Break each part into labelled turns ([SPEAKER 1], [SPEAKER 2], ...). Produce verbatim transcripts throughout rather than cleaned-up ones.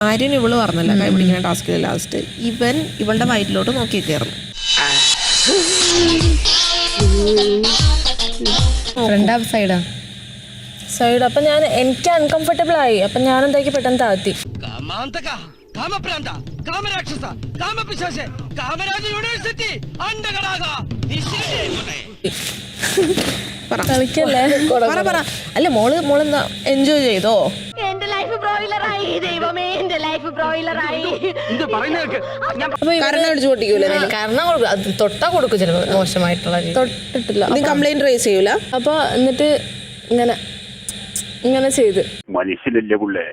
[SPEAKER 1] ആര്യൻ ഇവള് പറഞ്ഞല്ല കൈ പിടിക്കുന്ന ടാസ്കിൽ ലാസ്റ്റ് ഇവൻ ഇവളുടെ വയറ്റിലോട്ട് നോക്കി കയറുന്നു.
[SPEAKER 2] ഫ്രണ്ടാ സൈഡാ
[SPEAKER 3] സൈഡ്. അപ്പൊ ഞാൻ എനിക്ക് അൺകംഫർട്ടബിൾ ആയി. അപ്പൊ ഞാൻ എന്താക്കി പെട്ടെന്ന് താഴ്ത്തി. കളിക്കല്ലേ. അല്ല മോള് മോളെന്താ എൻജോയ് ചെയ്തോ?
[SPEAKER 4] എന്റെ ലൈഫ് ബ്രോയിലറായി ദൈവമേ, എന്റെ ലൈഫ് ബ്രോയിലറായി.
[SPEAKER 1] കരണം അടിച്ചു പൊട്ടിക്കൂല?
[SPEAKER 2] കാരണം തൊട്ടാ കൊടുക്കും ചിലപ്പോൾ മോശമായിട്ടുള്ള രീതി.
[SPEAKER 3] തൊട്ടിട്ടില്ല.
[SPEAKER 1] നീ കംപ്ലൈന്റ് റേസ് ചെയ്യൂല?
[SPEAKER 3] അപ്പൊ എന്നിട്ട് ഇങ്ങനെ ഇങ്ങനെ ചെയ്ത്
[SPEAKER 5] മനുഷ്യനല്ലേ പുള്ളേ.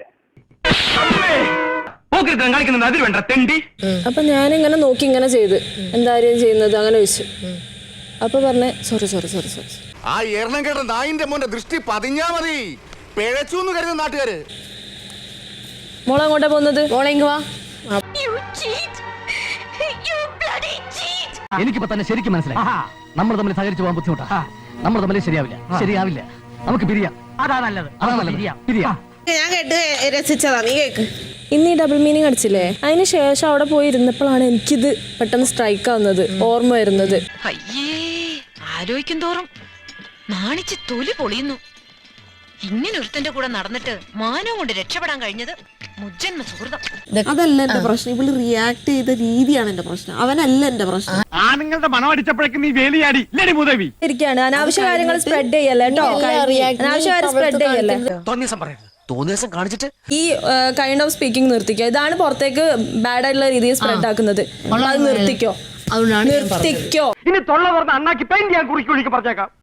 [SPEAKER 3] അപ്പൊ ഞാനിങ്ങനെ നോക്കി ഇങ്ങനെ ചെയ്ത് എന്തായാലും ചെയ്യുന്നത് അങ്ങനെ വെച്ചു. അപ്പൊ പറഞ്ഞേ സോറി സോറി സോറി സോറി.
[SPEAKER 6] ആ എണ്ണം കേട്ട നായിന്റെ മോന്റെ ദൃഷ്ടി പതിഞ്ഞാ മതി, പിഴച്ചു കരുതുന്ന നാട്ടുകാര്.
[SPEAKER 3] മോളെ അങ്ങോട്ടാ പോകുന്നത്?
[SPEAKER 2] മോളെ ഇങ്ങ് വാ.
[SPEAKER 7] എനിക്കിപ്പോ തന്നെ ശരിക്കും മനസ്സിലായി നമ്മൾ തമ്മിൽ സഹകരിച്ചു പോകാൻ ബുദ്ധിമുട്ടാ. നമ്മൾ തമ്മിൽ ശരിയാവില്ല ശരിയാവില്ല നമുക്ക് പിരിയാം. അതാ നല്ലത്. അതാ നല്ലത്. പിരിയാം.
[SPEAKER 1] ഞാൻ കേട്ട് രസിച്ചതാ, നീ കേക്ക്.
[SPEAKER 3] ഇന്ന് ഈ ഡബിൾ മീനിങ് അടിച്ചില്ലേ, അതിന് ശേഷം അവിടെ പോയി ഇരുന്നപ്പോഴാണ് എനിക്കിത് പെട്ടെന്ന് സ്ട്രൈക്ക് ആവുന്നത്, ഓർമ്മ വരുന്നത്.
[SPEAKER 4] അയ്യേ, ആലോചിക്കും തോറും നാണിച്ച് തൊലി പൊളിയുന്നു. ഇങ്ങനെ ഒരുത്തന്റെ കൂടെ നടന്നിട്ട് മാനവും കൊണ്ട് രക്ഷപ്പെടാൻ കഴിഞ്ഞത് മുജ്ജന്മ സുഹൃതം.
[SPEAKER 1] അതല്ല എന്റെ പ്രശ്നം, ഇവള് റിയാക്ട് ചെയ്ത രീതിയാണ് എന്റെ പ്രശ്നം, അവനല്ല എന്റെ പ്രശ്നം.
[SPEAKER 7] ആണുങ്ങളുടെ മണം അടിച്ചപ്പോഴേക്കും നീ വേലിയാടി ഇല്ലേ മൂദേവി?
[SPEAKER 3] ഇരിക്കാണ് അനാവശ്യ കാര്യങ്ങൾ സ്പ്രെഡ് ചെയ്യല്ലേ കേട്ടോ. അനാവശ്യ കാര്യം സ്പ്രെഡ് ചെയ്യല്ലേ.
[SPEAKER 8] തോന്നിയസം കാണിച്ചിട്ട്
[SPEAKER 3] ഈ കൈൻഡ് ഓഫ് സ്പീക്കിംഗ് നിർത്തിക്കോ. ഇതാണ് പുറത്തേക്ക് ബാഡ് ആയിട്ടുള്ള രീതിയിൽ സ്പ്രെഡ് ആക്കുന്നത്. അത് നിർത്തിക്കോ, നിർത്തിക്കോ.
[SPEAKER 7] ഇനി തൊള്ള പറഞ്ഞ അണ്ണാക്കി പെയിന്റ് ഞാൻ കുറിക്കുള്ളിക്ക് പറഞ്ഞേക്കാം.